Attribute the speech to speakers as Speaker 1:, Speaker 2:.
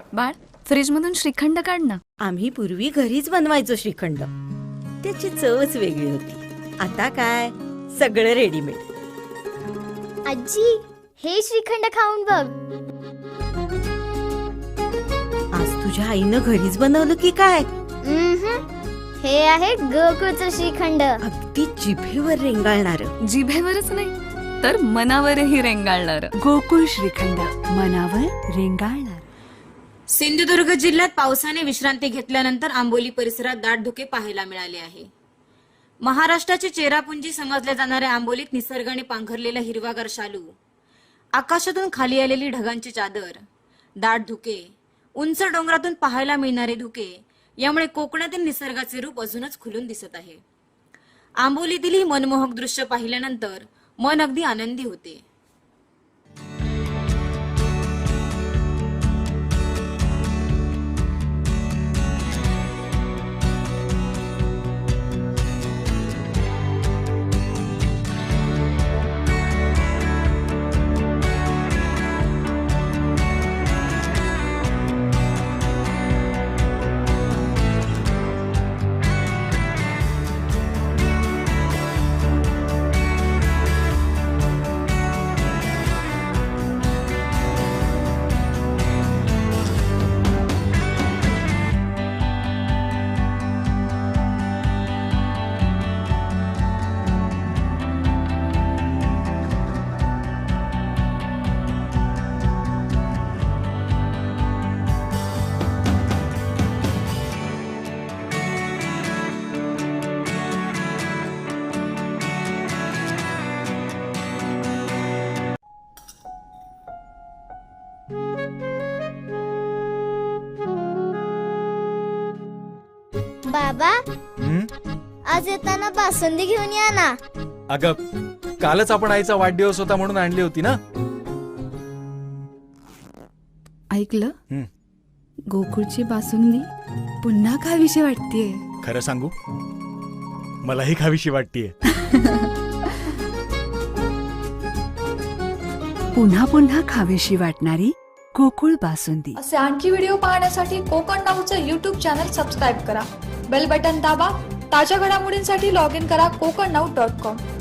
Speaker 1: बाळ, फ्रीज मधून श्रीखंड काढ ना.
Speaker 2: आम्ही पूर्वी घरीच बनवायचो श्रीखंड. त्याची चवच वेगळी होती. आता काय सगळं रेडीमेड.
Speaker 3: आजी, हे श्रीखंड खाऊन बघ.
Speaker 2: आज तुझ्या आईनं घरीच बनवलं की काय?
Speaker 3: हे आहे गोकुळचं श्रीखंड.
Speaker 2: अगदी जिभेवर रेंगाळणार.
Speaker 1: जिभेवरच नाही तर मनावरही रेंगाळणार.
Speaker 4: गोकुळ श्रीखंड, मनावर रेंगाळणार.
Speaker 5: सिंधुदुर्ग जिल्ह्यात पावसाने विश्रांती घेतल्यानंतर आंबोली परिसरात दाट धुके पाहायला मिळाले आहे. महाराष्ट्राची चेरापुंजी समजल्या जाणाऱ्या आंबोलीत निसर्गाने पांघरलेला हिरवागार शालू, आकाशातून खाली आलेली ढगांची चादर, दाट धुके, उंच डोंगरातून पाहायला मिळणारे धुके, यामुळे कोकणातील निसर्गाचे रूप अजूनच खुलून दिसत आहे. आंबोलीतील ही मनमोहक दृश्य पाहिल्यानंतर मन अगदी आनंदी होते.
Speaker 3: बाबा, आज येताना बासुंदी घेऊन या ना.
Speaker 6: अगं, कालच आपण आईचा वाढदिवस होता म्हणून आणली होती ना.
Speaker 4: ऐकलं? गोकुळची बासुंदी पुन्हा खावीशी वाटतेय.
Speaker 6: खरं सांगू, मलाही खावीशी वाटतीये.
Speaker 4: पुन्हा पुन्हा खावीशी वाटणारी गोकुळ बासुंदी.
Speaker 7: असे आणखी व्हिडिओ पाहण्यासाठी कोकण नाऊचं YouTube चॅनल सबस्क्राईब करा. बेल बटन दाबा. ताज्या घडामोडींसाठी लॉग इन करा kokarnaut.com.